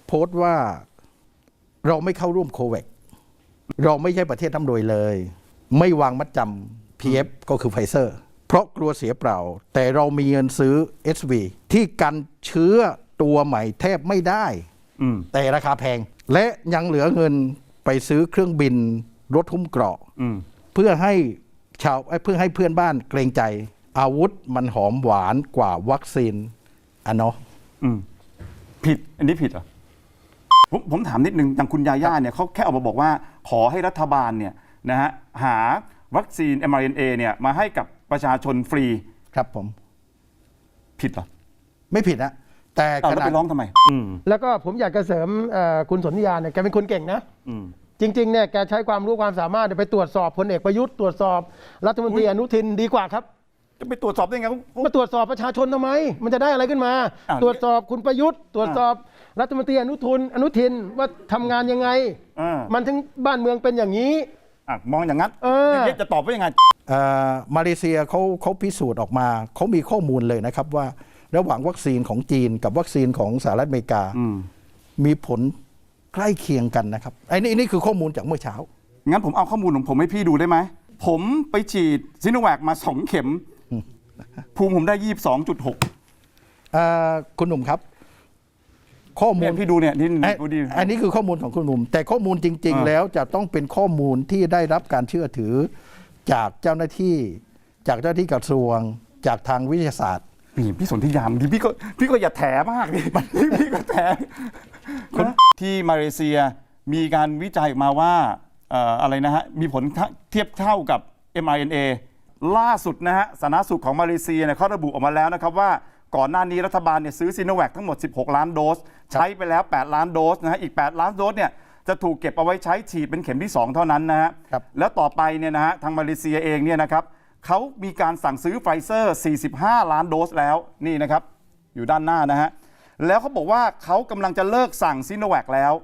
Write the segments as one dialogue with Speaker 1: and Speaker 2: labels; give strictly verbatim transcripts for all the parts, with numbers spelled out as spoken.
Speaker 1: โพสต์ว่าเราไม่เข้าร่วมโควัคเราไม่ใช่ประเทศน้ำรวยเลย ไม่วางมัดจำ พี เอฟ ก็คือไฟเซอร์เพราะกลัวเสียเปล่าแต่เรามีเงินซื้อ เอส วี ที่กันเชื้อตัวใหม่แทบไม่ได้แต่ราคาแพงและยังเหลือเงินไปซื้อเครื่องบินรถหุ้มเกราะเพื่อให้ชาวเพื่อให้เพื่อนบ้านเกรงใจอาวุธมันหอมหวานกว่าวัคซีนอ่ะเนาะ
Speaker 2: ผิดอันนี้ผิดเหรอผมผมถามนิดนึงอย่างคุณยาย่าเนี่ยเขาแค่ออกมาบอกว่าขอให้รัฐบาลเนี่ยนะฮะหาวัคซีน เอ็ม อาร์ เอ็น เอ เนี่ยมาให้กับประชาชนฟรี
Speaker 1: ครับผม
Speaker 2: ผิดเหรอ
Speaker 1: ไม่ผิดนะแต่
Speaker 2: ขนาดไปร้องทำไม
Speaker 3: แล้วก็ผมอยากจะเสริมคุณสนธิยาเนี่ยแกเป็นคนเก่งนะจริงๆเนี่ยแกใช้ความรู้ความสามารถไปตรวจสอบพลเอกประยุทธ์ตรวจสอบรัฐมนตรีอนุทินดีกว่าครับ
Speaker 2: จะไปตรวจสอบได้ไง
Speaker 3: มาตรวจสอบประชาชนทำไมมันจะได้อะไรขึ้นมาตรวจสอบคุณประยุทธ์ตรวจสอบรัฐมนตรีอนุทินอนุทินว่าทำงานยังไงมันถึงบ้านเมืองเป็นอย่างนี้
Speaker 2: มองอย่างนั้นจะตอบว่ายังไง
Speaker 1: มาเลเซียเขาเขาพิสูจน์ออกมาเขามีข้อมูลเลยนะครับว่าระหว่างวัคซีนของจีนกับวัคซีนของสหรัฐอเมริกามีผลใกล้เคียงกันนะครับไอ้นี่นี่คือข้อมูลจากเมื่อเช้า
Speaker 2: งั้นผมเอาข้อมูลของผมให้พี่ดูได้ไหมผมไปฉีดซิโนแวคมาสองเข็มภูมิผมได้ยี่สิบสองจุดหก
Speaker 1: คุณหนุ่มครับข้อมูล
Speaker 2: พี่ดูเนี่ยนี่
Speaker 1: ดูดีอันนี้คือข้อมูลของคุณหนุ่มแต่ข้อมูลจริงๆแล้วจะต้องเป็นข้อมูลที่ได้รับการเชื่อถือจากเจ้าหน้าที่จากเจ้าหน้าที่กระทรวงจากทางวิทยาศาสตร์
Speaker 2: พี่พี่สนธิยามดิพี่ก็พี่ก็อย่าแถมากดิพี่ก็แถที่มาเลเซียมีการวิจัยออกมาว่าอะไรนะฮะมีผลเทียบเท่ากับ เอ็ม อาร์ เอ็น เอ ล่าสุดนะฮะสาธารณสุขของมาเลเซียเนี่ยเขาระบุออกมาแล้วนะครับว่าก่อนหน้านี้รัฐบาลเนี่ยซื้อซิโนแวคทั้งหมดสิบหกล้านโดสใช้ไปแล้วแปดล้านโดสนะฮะอีกแปดล้านโดสเนี่ยจะถูกเก็บเอาไว้ใช้ฉีดเป็นเข็มที่สองเท่านั้นนะฮะแล้วต่อไปเนี่ยนะฮะทางมาเลเซียเองเนี่ยนะครับเขามีการสั่งซื้อไฟเซอร์สี่สิบห้าล้านโดสแล้วนี่นะครับอยู่ด้านหน้านะฮะแล้วเขาบอกว่าเขากำลังจะเลิกสั่งซิโนแวคแล้ว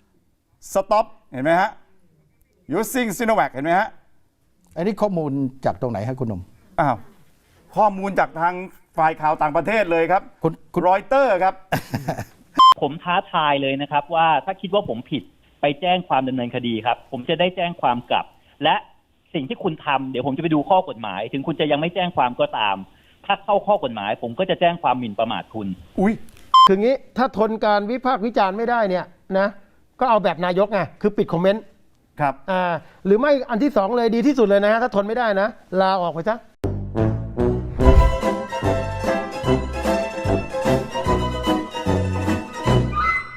Speaker 2: stop เห็นไหมฮะ using Sinovac เห็นไหมฮะ
Speaker 1: อันนี้ข้อมูลจากตรงไหนฮะคุณหนุ่ม
Speaker 2: อ้าวข้อมูลจากทางฝ่ายข่าวต่างประเทศเลยครับคุณรอยเตอร์ครับ
Speaker 4: ผมท้าทายเลยนะครับว่าถ้าคิดว่าผมผิดไปแจ้งความดำเนินคดีครับผมจะได้แจ้งความกลับและสิ่งที่คุณทำเดี๋ยวผมจะไปดูข้อกฎหมายถึงคุณจะยังไม่แจ้งความก็ตามถ้าเข้าข้อกฎหมายผมก็จะแจ้งความหมิ่นประมาทคุณ
Speaker 3: อุ้ยคืองี้ถ้าทนการวิพากษ์วิจารณ์ไม่ได้เนี่ยนะก็เอาแบบนายกไงคือปิดคอมเมนต์
Speaker 2: ครับ
Speaker 3: อ่าหรือไม่อันที่สองเลยดีที่สุดเลยนะถ้าทนไม่ได้นะลาออกไปซะ